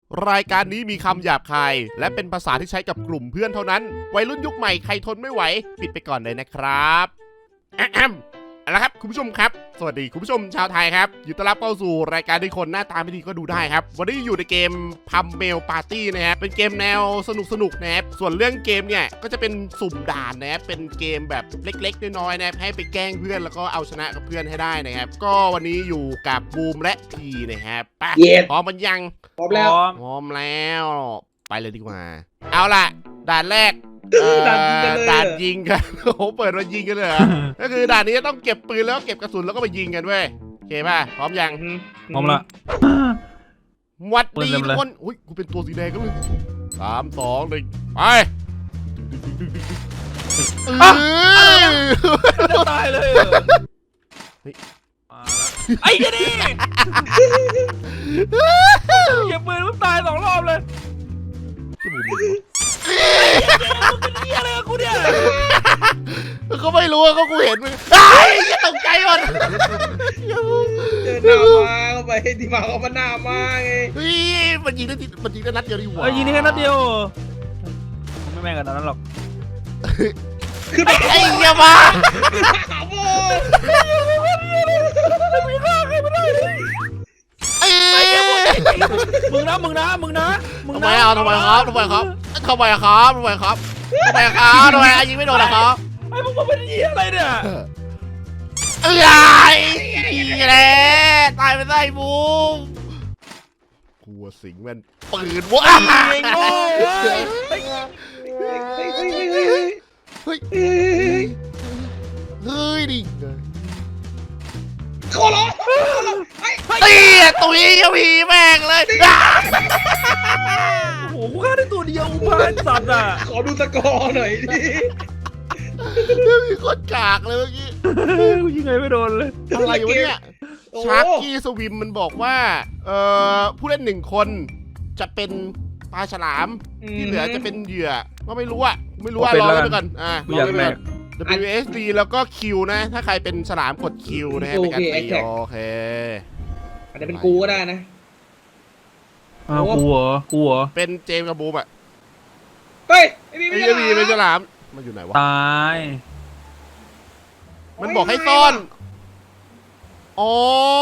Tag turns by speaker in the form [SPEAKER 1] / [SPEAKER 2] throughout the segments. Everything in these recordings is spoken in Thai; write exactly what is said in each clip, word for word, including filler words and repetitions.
[SPEAKER 1] รายการนี้มีคำหยาบคายและเป็นภาษาที่ใช้กับกลุ่มเพื่อนเท่านั้นวัยรุ่นยุคใหม่ใครทนไม่ไหวปิดไปก่อนเลยนะครับแอมเอาละครับคุณผู้ชมครับสวัสดีคุณผู้ชมชาวไทยครับยินดีต้อนรับเข้าสู่รายการที่คนหน้าตาไม่ดีก็ดูได้ครับวันนี้อยู่ในเกมพัมเมลปาร์ตี้นะครับเป็นเกมแนวสนุกสนุกนะครับส่วนเรื่องเกมเนี่ยก็จะเป็นสุ่มด่านนะครับเป็นเกมแบบเล็กๆน้อยๆนะครับให้ไปแกล้งเพื่อนแล้วก็เอาชนะกับเพื่อนให้ได้นะครับก็วันนี้อยู่กับบูมและพีนะครับไปพร้อมมันยัง
[SPEAKER 2] พร้อมแล้ว
[SPEAKER 1] พร้อมแล้วไปเลยดีกว่าเอาล่ะด่านแรกด่านยิงกันโอ้โหเปิดมายิงกันเลยก็คือด่านนี้ต้องเก็บปืนแล้วเก็บกระสุนแล้วก็ไปยิงกันเว้ยโอเคป่ะพร้อมยัง
[SPEAKER 3] พร้อมละ
[SPEAKER 1] วัดดีทุกคนอุ้ยกูเป็นตัวสีแดงก็เลยสามสองหนึ่งไป
[SPEAKER 3] จะตายเลยไอ้ยี่นี่เก็บปืนมันตายสองรอบเลยอะไรกูเนี่ย
[SPEAKER 1] เขาไม่รู้เขากูเห็นมึงไอ้ยตกใจก่อน
[SPEAKER 2] เจอหน้ามาเข้าไปที่มาเขามาหน้ามาไง
[SPEAKER 1] เฮ้ยมันยิงได้มันยิงได้นัดเดียวดีกว่า
[SPEAKER 3] ยิงได้แค่นัดเดียวไม่แม่งกันนั้นหรอก
[SPEAKER 1] คือไอ้เหี้ยมา
[SPEAKER 2] โอ้
[SPEAKER 3] ไม่ฆ่าใครไม่ได้เลยมึงนะมึงนะมึงนะมึงนะ
[SPEAKER 1] ทำไมเอาทำไมครับทำไมครับทำไมครับทำไมครับทำไมครับทำไมยิงไม่โดนนะครับ
[SPEAKER 3] ไอ้พวกมึงเป็นยี่อะไรเนี่ย
[SPEAKER 1] เอ้ยนี่แหละตายไปได้บูมกลัวสิงมันปืนวะ
[SPEAKER 3] เองโง่เฮ้ย
[SPEAKER 1] เฮ้ยเฮ้ยเฮ้ยดิ
[SPEAKER 2] ขอร้อง
[SPEAKER 1] ไอ้ตุ้ยยังมีแม่งเลย
[SPEAKER 3] โอ้โหกูฆ่าได้ตัวเดียวพานสัตว์อ่ะ
[SPEAKER 2] ขอดูสกอร์หน่อยดิ
[SPEAKER 1] มีคนกากเลยเมื่อกี้
[SPEAKER 3] กูยิงไงไม่โดนเลย
[SPEAKER 1] อะไรวะเนี่ยชาร์กกี้สวิมมันบอกว่าเอ่อผู้เล่นหนึ่งคนจะเป็นปลาฉลามที่เหลือจะเป็นเหยื่อก็ไม่รู้อะไม่รู้ว่ารอไปก่อนอ่ะรอไปก่อน ดับเบิลยู เอส ดี แล้วก็ Q นะถ้าใครเป็นฉลามกด Q นะฮะในการตีโอเค
[SPEAKER 2] อาจจะเป็นกูก็ได้นะ
[SPEAKER 3] อ้าวกูเหรอกูเหรอ
[SPEAKER 1] เป็นเจมส์กับบูมอ่ะ
[SPEAKER 2] เฮ้ยไอ้
[SPEAKER 1] พี่ไม่ใช่เป็นฉลามมันอยู่ไหนวะ
[SPEAKER 3] ตาย
[SPEAKER 1] มันบอกให้ซ่อนอ๋อ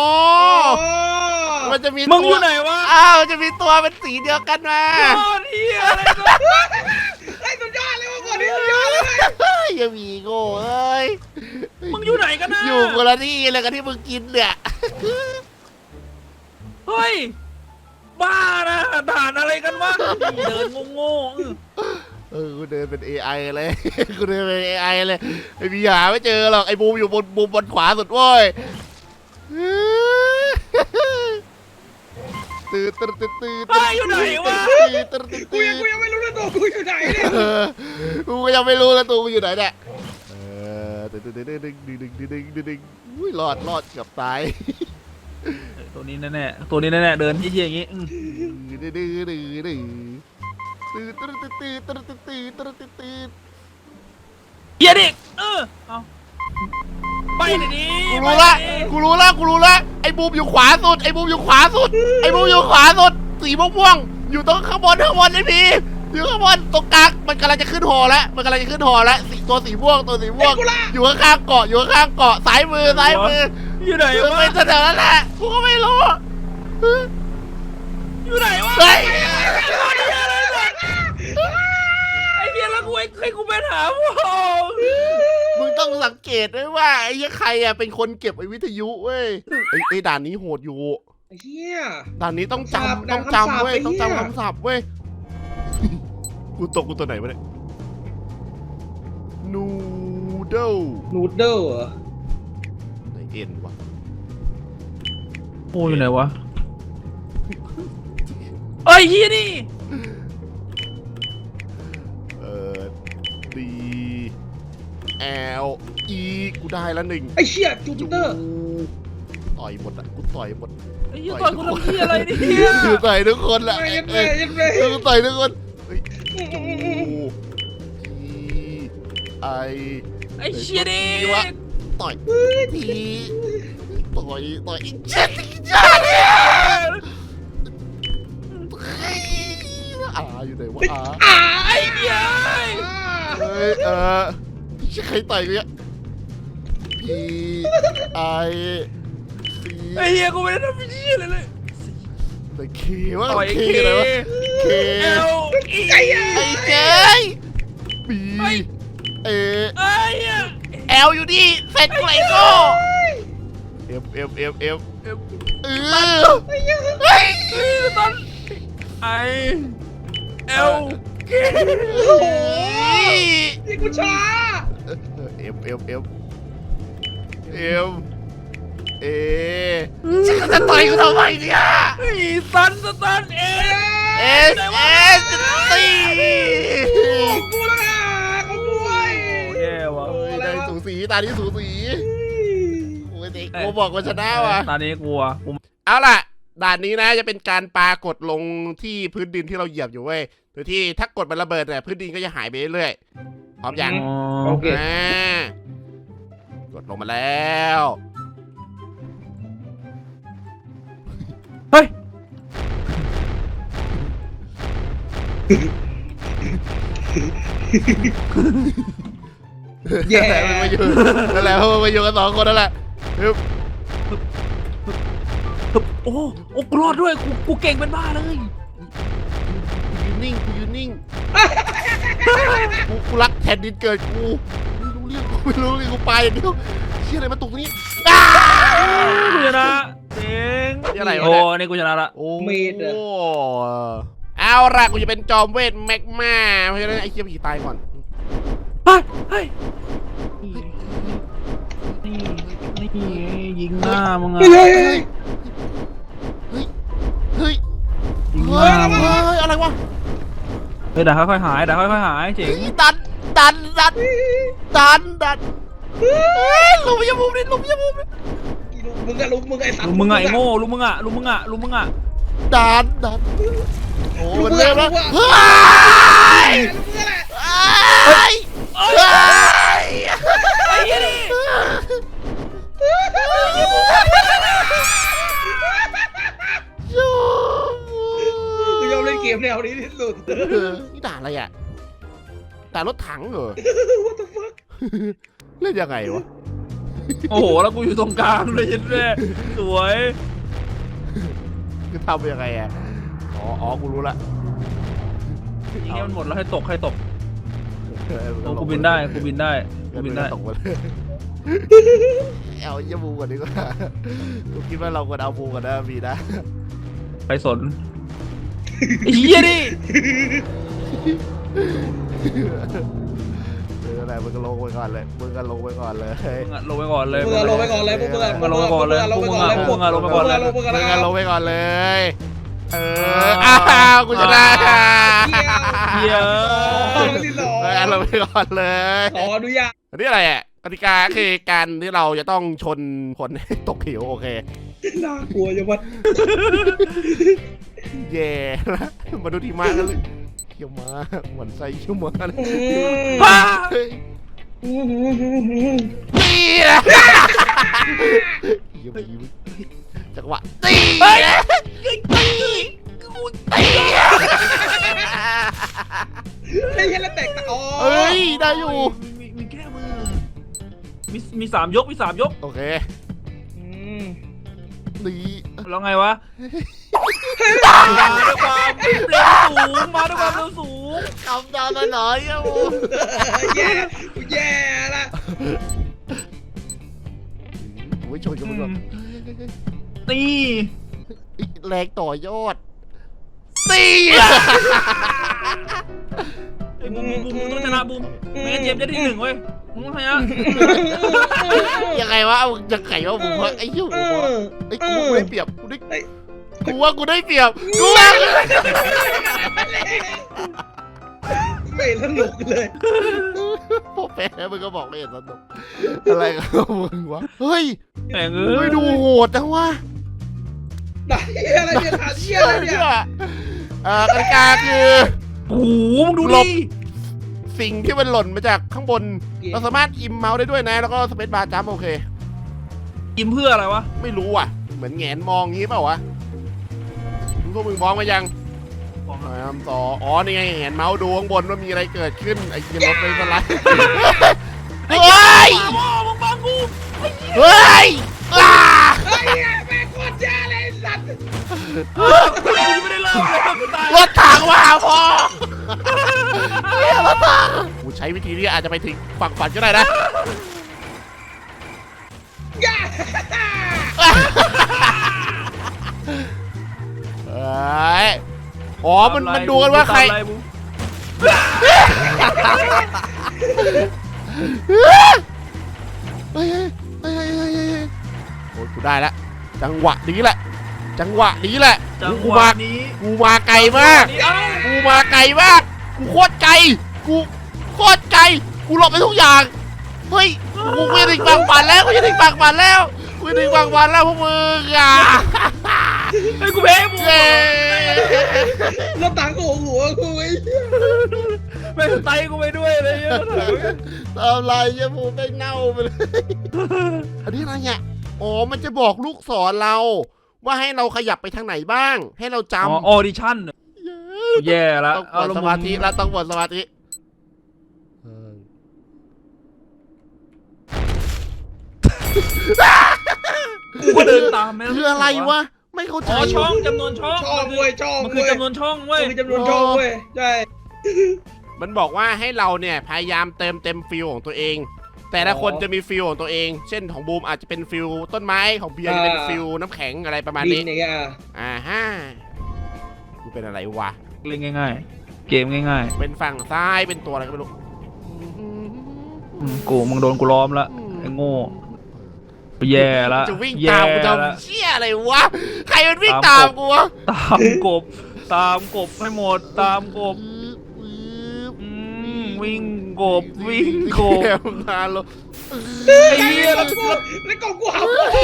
[SPEAKER 1] มันจะมี
[SPEAKER 3] มึงอยู่ไหนวะ
[SPEAKER 1] อ้าวจะมีตัวเป็นสีเดียวกันมา
[SPEAKER 3] โคตรเหี้ยอะไร
[SPEAKER 2] ไอ้สุดยอดเลยว่ะก่อนนี้สุดยอดเลย
[SPEAKER 1] ยังมีโง่เอ้ย
[SPEAKER 3] มึงอยู่ไหนกันนะ
[SPEAKER 1] อยู่คนละที่เลยกันที่มึงกินเนี่ย
[SPEAKER 3] เฮ้ยบ้านะด่านอะไรกันวะเดินโง่
[SPEAKER 1] เออกูเดินเป็น เอ ไอ เลยกูเดินเป็น เอ ไอ เลยไอ้พี่หาไม่เจอหรอกไอ้บูมอยู่บนบูมบนขวาสุดเว้ยตื่นตื่นตื่นตื่น
[SPEAKER 3] ไปอยู่ไหนวะ
[SPEAKER 1] ตื่นตื่น
[SPEAKER 2] กูยังกูยังไม่รู้เลยตัวกูอยู่ไหนเนี่ย
[SPEAKER 1] กูก็ยังไม่รู้เลยตัวกูอยู่ไหนเนี่ยเออตื่นตื่นตื่นดึงดึงดึงดึงดึงดึงดึงอุ้ยรอดรอดเกือบตาย
[SPEAKER 3] ตัวนี้แน่ๆตัวนี้แน่ๆเดินเยี่ยๆอย่างงี้
[SPEAKER 1] ดื้อดื้อดื้อดื้อตื่นตื่นตื่นตื่นตื่นตื่นตื่นตื่นตื่นตื่น
[SPEAKER 3] เยี่ยดิเออเอาไปดิ
[SPEAKER 1] กูรู้ละกูรู้ละกูรู้ละไอ้บูมอยู่ขวาสุดไอ้บูมอยู่ขวาสุดไอ้บูมอยู่ขวาสุดสีม่วงๆอยู่ตรงข้างบนข้างบนไอ้พีอยู่ข้างบนตรงกลางมันกำลังจะขึ้นหอแล้วมันกำลังจะขึ้นหอแล้วสีตัวสีม่วงตัวสีม่วงอยู่ข้างๆเกาะอยู่ข้างๆเกาะซ้ายมือซ้ายมือ
[SPEAKER 3] อยู่ไหนวะ
[SPEAKER 1] ไม่แถวนั้นแหละกูก็ไม่รู้
[SPEAKER 3] อยู่ไหนวะ
[SPEAKER 1] เฮ้ย
[SPEAKER 3] ไอ้เหี้ยแล้วกูให้กูไปหาพวก
[SPEAKER 1] มึงต้องสังเกตด้วยว่าไอ้ใครอ่ะเป็นคนเก็บไอ้วิทยุเว้ยไอ้ไอ้ด่านนี้โหดอยู่
[SPEAKER 2] ไอ้เหี้ย
[SPEAKER 1] ด่านนี้ต้องจำต้องจำเว้ยต้องจำคำศัพท์เว้ยกูตกกูตัวไหนวะเนี่ยนูเดิล
[SPEAKER 2] นูเดิลเหรอ
[SPEAKER 1] ไหนเอ็นวะ
[SPEAKER 3] โอ้ยไหนวะเอ้ยยี่นี่
[SPEAKER 1] เออดีแอลอีกูได้แล้วหนึ่ง
[SPEAKER 2] ไอ้เชี่ยจูปิเตอร์
[SPEAKER 1] ต่อยหมดอ่ะกูต่อยหมด
[SPEAKER 3] ไอ้ยี่ต่อยกูทำที่อะไรเนี่ย
[SPEAKER 1] กูต่อยทุกคนแหละ
[SPEAKER 2] เอ้ย
[SPEAKER 1] กูต่อยทุกคนจูไอ
[SPEAKER 3] ไอ้เชี่ยดิ
[SPEAKER 1] วะต่อยทีต่อยต่อยอีกเจ็ดอีกเจ็ดเนี่ยอาอยู่ไหนวะอา
[SPEAKER 2] อ่า
[SPEAKER 3] ไอ้เหี้ย
[SPEAKER 1] เฮ้ยเออใครต่อยกูเนี่ยพีไอซี
[SPEAKER 3] ไอ้เหี้ยกูไม่ได้ทำเหี้ยอะไรเลย
[SPEAKER 1] แต่เควะ
[SPEAKER 3] ต่อย
[SPEAKER 1] เค
[SPEAKER 3] เค
[SPEAKER 1] อะไรวะเค
[SPEAKER 3] เอลอี
[SPEAKER 2] ไอ้เหี้ย
[SPEAKER 1] ไอเจบีเอ
[SPEAKER 3] ไอ้เหี้ย
[SPEAKER 1] แอลอยู่ดิเซ็ตกูไลโก้เอฟเอฟเอฟเอฟเอฟเออ
[SPEAKER 2] ไอ้เหี้ย
[SPEAKER 1] เฮ้ย
[SPEAKER 3] ตอนไอเอลเค
[SPEAKER 2] โอ้โหนี่กูช้า
[SPEAKER 1] เอฟเอฟเอฟเอฟเอฉันจะต่อยกูทำไมเนี่ย
[SPEAKER 3] ไอ้สันสตันเอ
[SPEAKER 1] เอสเอสตี
[SPEAKER 2] ของกูแล้วนะของกูไอ้
[SPEAKER 3] แย่ว่ะ
[SPEAKER 1] โอ้ยได้สูสีตานี้สูสีโอ้ยเด็กกูบอกว่าชนะว่ะ
[SPEAKER 3] ตอนนี้กลัวกู
[SPEAKER 1] เอาล่ะด่านนี้นะจะเป็นการปากดลงที่พื้นดินที่เราเหยียบอยู่เว้ยโดยที่ถ้ากดมันระเบิดเนี่ยพื้นดินก็จะหายไปเรื่อยๆพร้อมยัง
[SPEAKER 2] โอเค
[SPEAKER 1] อ่ากดลงมาแล้ว
[SPEAKER 3] เฮ้ย
[SPEAKER 2] แย่
[SPEAKER 1] นั่นแหละมันมาอยู่นั่นแหละมันมาอยู่กันสองคนนั่นแหละฮึบ
[SPEAKER 3] โอ้โอ้กูรอดด้วยกูกูเก่งเป็นบ้าเลย
[SPEAKER 1] กูยืนนิ่งกูยืนนิ่งกูกูรักแผ่นดินเกิดกูไม่รู้เรื่องกูไม่รู้เรื่องกูไปอย่างเดียวเชี่ยอะไรมาตกตรงนี้อ้า
[SPEAKER 3] กูชนะเจ๋ง
[SPEAKER 1] นี่อะไรวะ
[SPEAKER 3] โอ้
[SPEAKER 1] เนี่ย
[SPEAKER 3] นี่กูชนะละ
[SPEAKER 1] โอ้
[SPEAKER 2] เมดอะ
[SPEAKER 1] เอาล่ะกูจะเป็นจอมเวทแมกมาเพราะฉะนั้นไอ้เคียผีตายก่อน
[SPEAKER 3] เฮ้ยเฮ้ยนี่นี่ยิงหน้ามึงอะ
[SPEAKER 2] เฮ้ย
[SPEAKER 1] เฮ้ยเฮ้ยเฮ้ย
[SPEAKER 3] ยิงห
[SPEAKER 1] เฮ้
[SPEAKER 3] น้าย มึงอะ
[SPEAKER 1] เฮ้ยอะไรวะ
[SPEAKER 3] เฮ้ยเดี๋ยวค่อยๆหายเดี๋ยวค่อยๆหายเจ๋ง
[SPEAKER 1] ดันดันดันดันดันเฮ้ยลุมยามุมนี่ลุมยามุมนี่
[SPEAKER 2] มึงอะลุกมึงไอ้สัตว์
[SPEAKER 3] ลุงมึงอะไอ้โง่ลุงมึงอะลุงมึงอะลุงมึงอะ
[SPEAKER 1] ดันดันโอ้มัน
[SPEAKER 2] มึง
[SPEAKER 1] เริ่
[SPEAKER 2] อะ
[SPEAKER 1] ม
[SPEAKER 2] ลุ
[SPEAKER 1] แล้ว
[SPEAKER 2] ก
[SPEAKER 1] เฮ้
[SPEAKER 2] อะ
[SPEAKER 1] ย
[SPEAKER 2] มึงอะแหละ
[SPEAKER 1] เฮ้ยเฮ้ย
[SPEAKER 3] ไอ้เหี้ยนี่
[SPEAKER 2] กูยอมเล่นเกมแนวนี้ที่สุด
[SPEAKER 1] นี่ด่าอะไรอ่ะด่ารถถังเหรอ
[SPEAKER 2] What the fuck
[SPEAKER 1] เล่นยังไงวะ
[SPEAKER 3] โอ้โหแล้วกูอยู่ตรงกลางเลยยันแม่สวย
[SPEAKER 1] คือทำยังไงอ่ะอ๋ออ๋อกูรู้ละ
[SPEAKER 3] ยิงให้มันหมดแล้วให้ตกให้ตก
[SPEAKER 1] เออ
[SPEAKER 3] โอ้กูบินได้กูบินได้กู
[SPEAKER 1] กู
[SPEAKER 3] บิ
[SPEAKER 1] บิ
[SPEAKER 3] น
[SPEAKER 1] น
[SPEAKER 3] ได้
[SPEAKER 1] ได้ตกหมดเลยเอาเยี่ยมูก่อนดีกว่ากูคิดว่าเราควรเอาบูกันนะมีนะ
[SPEAKER 3] ใครสนไอ้เหี้ยดิ
[SPEAKER 1] เอออะไรมึงก็ลงไปก่อนเลยมึงก็ลงไปก่อนเลย
[SPEAKER 3] มึงอะลงไปก่อนเลย
[SPEAKER 2] มึงอะลงไปก่อนเลยพวกมึงอะ
[SPEAKER 3] มึงอะลงไปก่อนเลยพวกมึงอะพวกมึงอะลงไปก่อนเลย
[SPEAKER 2] พวกมึง
[SPEAKER 1] มึง
[SPEAKER 2] อะ
[SPEAKER 1] ก็ล
[SPEAKER 2] ล
[SPEAKER 1] ง
[SPEAKER 2] ง
[SPEAKER 1] ไป
[SPEAKER 2] ไป
[SPEAKER 1] ก่อนเลยเอออ้าวกูชนะ
[SPEAKER 3] เหี้ย
[SPEAKER 2] ก่อนที่สอง
[SPEAKER 1] เออลงไปก่อนเลย
[SPEAKER 2] ขออนุญาต
[SPEAKER 1] อันนี้อะไรอ่ะกติกาคือการที่เราจะต้องชนคนให้ตกเหวโอเค
[SPEAKER 2] น่ากลัวจังวะ
[SPEAKER 1] เย่นะมาดูทีมากันเลยเขี้ยวมาหวันไส้เขี้ยวมาเลย
[SPEAKER 3] บ้า
[SPEAKER 1] เฮ้ยตีนะเยี่ยมยิ้มจังหวะตีนะตีกูตี
[SPEAKER 2] ไอ้เหี้ยแล้วแตกตะอ๋อ
[SPEAKER 1] เอ้ยได้อยู่
[SPEAKER 3] มีมีแค่มือมีมีสามยกมีสามยก
[SPEAKER 1] โอเค
[SPEAKER 2] อืม
[SPEAKER 1] นี่
[SPEAKER 3] แล้วไงวะมาด้วยความเร็วสูงมาด้วยความเร็วสูง
[SPEAKER 1] คำดาวหน่อยๆอ่ะ
[SPEAKER 2] แย่กูแย่ละ
[SPEAKER 1] โอ้ยชนกันหมด
[SPEAKER 3] นี่
[SPEAKER 1] แรงต่อยอดตี
[SPEAKER 3] ไอ้บูมบูมบูมต้องชนะบูมไม่งั้นเจมส์จะที่หนึ่งเว้ยมึงต้องชนะ
[SPEAKER 1] ยังไงวะเอายังไงวะผมว่าไอ้เหี้ยผมว่าไอ้กูกูได้เปรียบกูได้กูว่ากูได้เปรียบกูว่า
[SPEAKER 2] ไม่สนุกเลย
[SPEAKER 1] พอแพ้มึงก็บอกไม่เห็นสนุกอะไรกับมึงวะเฮ้ย
[SPEAKER 3] แม่งเอ้ย
[SPEAKER 1] ไม่ดูโหดนะวะ
[SPEAKER 2] ไหนอะไรเนี่ยถามเชี่ยอะไรเนี่ย
[SPEAKER 1] เอ่อกติกาคือ
[SPEAKER 3] โอ้โหมึงดู
[SPEAKER 1] หล
[SPEAKER 3] ดิ
[SPEAKER 1] บ สิ่งที่มันหล่นมาจากข้างบน เราสามารถอิมเมาส์ได้ด้วยนะ แล้วก็สเปซบาร์จัมป์โอเค
[SPEAKER 3] กินเพื่ออะไรวะ
[SPEAKER 1] ไม่รู้อ่ะ เหมือนแงนมองงี้เปล่าวะพวกมึงมองมายัง
[SPEAKER 3] มอง
[SPEAKER 1] พยายามต่ออ๋อนี่ไงเห็นเมาส์ดูข้างบนว่ามีอะไรเกิดขึ้นไอ้เหี้ยรถไปสไลด์เฮ้ย
[SPEAKER 3] พ่อมึงบังกู
[SPEAKER 1] เฮ้ยอ้า
[SPEAKER 2] ไอ้เหี้ยแม่งโคตรแย่เลยไอ้สัตว์
[SPEAKER 3] กูยังไม่ได้เริ่มเลยกูตาย
[SPEAKER 1] รถถังมาพอเฮ้ยรถถังกูใช้วิธีนี้อาจจะไปถึงฝั่งฝันก็ได้นะ
[SPEAKER 2] ย่า
[SPEAKER 1] เอ้ยอ๋อมันมันดูกันว่าใคร
[SPEAKER 3] ตมไล่มึง
[SPEAKER 1] เฮ้ยเฮ้ยเฮ้ยเฮ้ยเฮ้ยเฮ้ยโอ้ยกูได้แล้วจังหวะนี้แหละ จังหวะนี้แหละ
[SPEAKER 3] จัง
[SPEAKER 1] กู
[SPEAKER 3] หวะ
[SPEAKER 1] มา
[SPEAKER 3] นี้
[SPEAKER 1] กูมาไกลมาก
[SPEAKER 3] เอ้า
[SPEAKER 1] กูมาไกลมาก กูโคตรไกล กูโคตรไกล กูหลบไปทุกอย่าง เฮ้ย กูไม่ถึงฝั่งฝันแล้ว กูจะถึงฝั่งฝันแล้ว กูจะถึงฝั่งฝันแล้วพวกมึงอ่ะ
[SPEAKER 3] ไอ้กูแพ้มึง
[SPEAKER 1] เย้
[SPEAKER 2] แล้วตังโอ้โหกูไอ้เหี้ย
[SPEAKER 3] ไม่ไตกูไปด้วยเลยเยอะ
[SPEAKER 1] ทำไรเยี่ยมูไปเน่าไปเลย อันนี้อะไรเนี่ยอ๋อ มันจะบอกลูกศรเรา ว่าให้เราขยับไปทางไหนบ้าง ให้เราจ
[SPEAKER 3] อ๋อออดิชั่น
[SPEAKER 1] ำ
[SPEAKER 3] แย่ละ
[SPEAKER 1] ต้องกดสมาธิแล้วต้องกดสมาธิ
[SPEAKER 3] กูก็เดินตามแม่
[SPEAKER 1] คืออะไรวะ ไม่เข้าใจ
[SPEAKER 3] อ๋อช่องจำนวนช่อง
[SPEAKER 2] ชอบเว้ยชอบ
[SPEAKER 3] มันคือ
[SPEAKER 2] เว้ย
[SPEAKER 3] จำนวนช่องเว้ย
[SPEAKER 2] มันคือจำนวนช่องเว้ยใช่
[SPEAKER 1] มันบอกว่าให้เราเนี่ยพยายามเติมเต็มฟิลของตัวเอง แต่ละคนจะมีฟิลของตัวเอง เช่นของบูมอาจจะเป็นฟิลต้นไม้ของเบียร์จะเป็นฟิลน้ำแข็งอะไรประมาณ
[SPEAKER 2] ดิ
[SPEAKER 1] นี้
[SPEAKER 2] นอย่างเงี้ย
[SPEAKER 1] อ่าฮะกูเป็นอะไรวะ
[SPEAKER 3] เล่นง่ายๆ เกมง่าย
[SPEAKER 1] เป็นฝั่งซ้ายเป็นตัวอะไรก็ไม่รู้
[SPEAKER 3] ๆอืมกูมึงโดนกูล้อมละไอ้โง่แย่ละ
[SPEAKER 1] จะวิ่ง
[SPEAKER 3] แย่
[SPEAKER 1] ตามกู
[SPEAKER 3] ละ
[SPEAKER 1] ทำเชี่ยอะไรวะ ใครมันวิ่งตามกูวะ
[SPEAKER 3] ตามกบ ตามกบให้หมด ตามกบอืมวิ่งกบ วิ่งกบ
[SPEAKER 1] แกมนานแล้ว
[SPEAKER 3] ไอ้เหี้ย
[SPEAKER 2] แล้
[SPEAKER 3] แล้ว ว
[SPEAKER 2] กูแล้วก็กูหา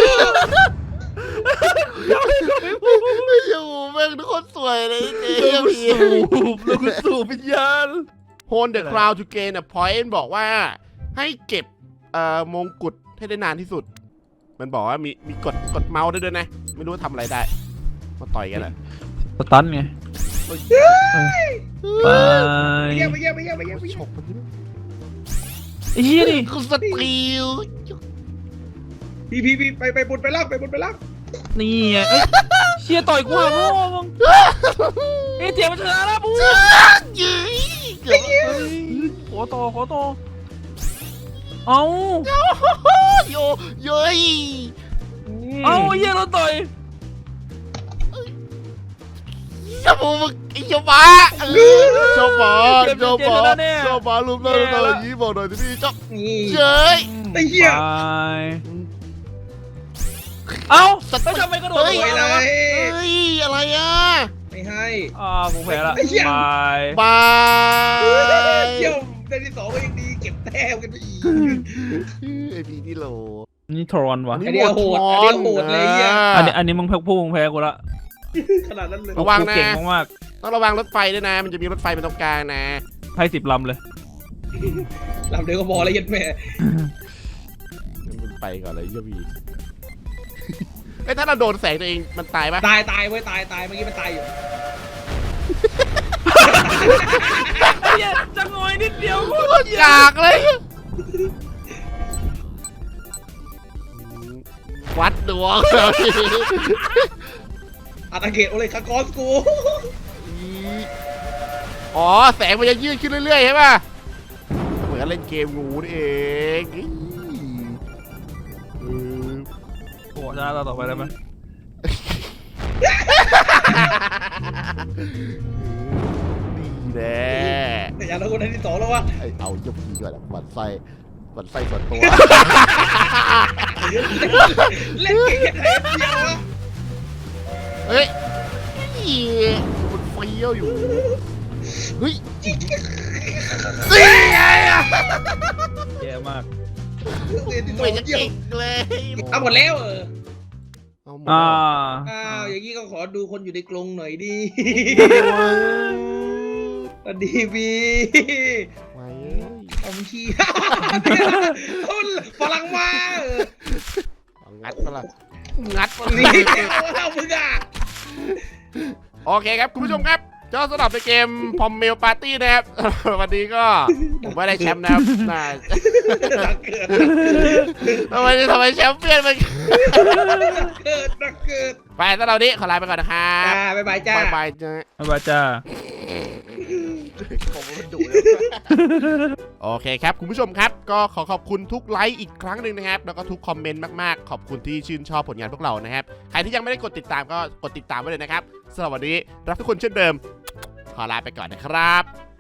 [SPEAKER 1] ไม่อยู่แม่งทุกคนสวยเลยเจ๊
[SPEAKER 3] แล้วกูสูบแล้วกูสูบวิญญาณ
[SPEAKER 1] โฮนเดอะคราวทูเกนอ่ะพอยต์บอกว่าให้เก็บเอ่อมงกุฎให้ได้นานที่สุด มันบอกว่ามีมีกดกดเมาส์ได้ด้วยนะ ไม่รู้ว่าทำอะไรได้ มาต่อยกันแหละ
[SPEAKER 3] สตันไงไป
[SPEAKER 2] ไปเยี่ยมไปเยี่ยมไปเยี่ยมไปเยี่ยมไป
[SPEAKER 1] ฉ
[SPEAKER 2] เยี่ยม
[SPEAKER 1] กมันด้วย
[SPEAKER 3] ไอ้เหี้ยดิ
[SPEAKER 1] กูสตีล
[SPEAKER 2] พี่พี่พี่ไปไปบนไปล่างไปบนไปล่าง
[SPEAKER 3] นี่ไงเอ้ยเชียต่อยกูหาพ่อมึงเอ้ยเจียมันชนะแล้วปุ๊บ
[SPEAKER 1] ยื้ย
[SPEAKER 3] ขอต่อขอต่อเอา
[SPEAKER 1] โยเย้ย
[SPEAKER 3] เอาเหี้ยเราต่อย
[SPEAKER 1] สมูมึงไอ้เจ้าบ้าเจ้าบ้าเจ้าบ้าเจ้าบ้าลุมเลยตอนนี้บอกหน่อยที่พี่เจ้า
[SPEAKER 2] นี่
[SPEAKER 1] เย้ย
[SPEAKER 2] ไอ้เหี้ย
[SPEAKER 3] เอ้าไม่ทำไมกระโดด
[SPEAKER 2] ไป
[SPEAKER 3] ไป
[SPEAKER 2] เล
[SPEAKER 3] แล้ววะ
[SPEAKER 2] ย
[SPEAKER 1] เฮ้ยอะไรอ่ะ
[SPEAKER 2] ไม่ให้
[SPEAKER 3] อ่ากูแพ้ละ
[SPEAKER 2] ไอ้เหี้ย
[SPEAKER 3] บาย
[SPEAKER 1] บาย
[SPEAKER 2] เยี่ยมได้ที่สองก็ยังดีเก็บแต้มกันไปอีก
[SPEAKER 1] ไอพีนี่โล
[SPEAKER 3] นี่ทรอนวะ
[SPEAKER 2] อันนี้โหดอันนี้โหดเลยเหี้ย
[SPEAKER 3] อันนี้อันนี้มึงแพ้พูมึงแพ้กูละ
[SPEAKER 2] ขนาดนั้นเลย
[SPEAKER 1] ระวัง
[SPEAKER 3] กู
[SPEAKER 1] นะ
[SPEAKER 3] เก่งมาก
[SPEAKER 1] ต้องระวังรถไฟด้วยนะ มันจะมีรถไฟเป็นตรงกลางนะ
[SPEAKER 3] ๆให้สิบลำเลย
[SPEAKER 2] ลำเดียวก็พอแล้วยัดแม่
[SPEAKER 1] มันไปก่อนเลยเยี่ยพีไอ้ถ้าเราโดนแสงตัวเองมันตายปะ
[SPEAKER 2] ตายตายเว้ยตายตายเมื่อกี้มันตายอยู่
[SPEAKER 3] ไอ้เหี้ยจะงอยนิดเดียวกู
[SPEAKER 1] โคตรกากเลย วัดดวง
[SPEAKER 2] อาตาเกตโอเลยคากอสกู
[SPEAKER 1] อ๋อแสงมันจะยืดขึ้นเรื่อยๆใช่ป่ะเหมือนกับเล่นเกมงูนี่เองเออ
[SPEAKER 3] โอ้ชนะตาต่อไปได้ไหม
[SPEAKER 1] ดีแน่
[SPEAKER 2] แต่อย่างเราคนที่สองแล้ววะ
[SPEAKER 1] ไอเอาเยี่ยมดีก่อนอะบันไส้บันไส้ส่วนตัว
[SPEAKER 2] เล่นเก่งแค่ไหนเดียววะ
[SPEAKER 1] เฮ้ยมันเฟี้ยวอยู่ เฮ้ยเฮ้ยไงอะ
[SPEAKER 3] แย่มาก
[SPEAKER 2] เล่นที่สอ
[SPEAKER 1] ไม่
[SPEAKER 2] ง
[SPEAKER 1] จะ
[SPEAKER 2] เยี่ย
[SPEAKER 1] เก่
[SPEAKER 2] ม
[SPEAKER 1] งเลย
[SPEAKER 2] เอาหมดแล้วเออ
[SPEAKER 1] เอาหมด
[SPEAKER 3] อ่า
[SPEAKER 2] อ้าวอย่างนี้ก็ขอดูคนอยู่ในกรงหน่อยดิสวัสดีบี
[SPEAKER 1] ไว้
[SPEAKER 2] เอามึงขี้เอาฝรั่งมาเออ
[SPEAKER 1] เอางัดปะล่ะงัดปะ
[SPEAKER 2] นี่
[SPEAKER 1] นี่
[SPEAKER 2] เอามึงอ่ะ
[SPEAKER 1] โอเคครับคุณผู้ชมครับก็สำหรับในเกมพอมเมลปาร์ตี้นะครับ วันนี้ก็ผมไม่ได้แชมป์นะครับน่า
[SPEAKER 2] นักเกิด
[SPEAKER 1] ทำไมทำไมแชมป์เปี้ยนมัน
[SPEAKER 2] เกิดนักเกิด
[SPEAKER 1] ไปสำหรับวันนี้ขอลาไปก่อนนะครับ
[SPEAKER 2] จ้าบ๊ายบายจ้า
[SPEAKER 1] บายบายจ้า
[SPEAKER 3] บ๊ายบายจ้า
[SPEAKER 1] ผมมันดุเลย โอเคครับคุณผู้ชมครับก็ขอขอบคุณทุกไลค์อีกครั้งหนึ่งนะครับแล้วก็ทุกคอมเมนต์มากๆขอบคุณที่ชื่นชอบผลงานพวกเรานะครับใครที่ยังไม่ได้กดติดตามก็กดติดตามไว้เลยนะครับสำหรับวันนี้รักทุกคนเช่นเดิมขอลาไปก่อนนะครับ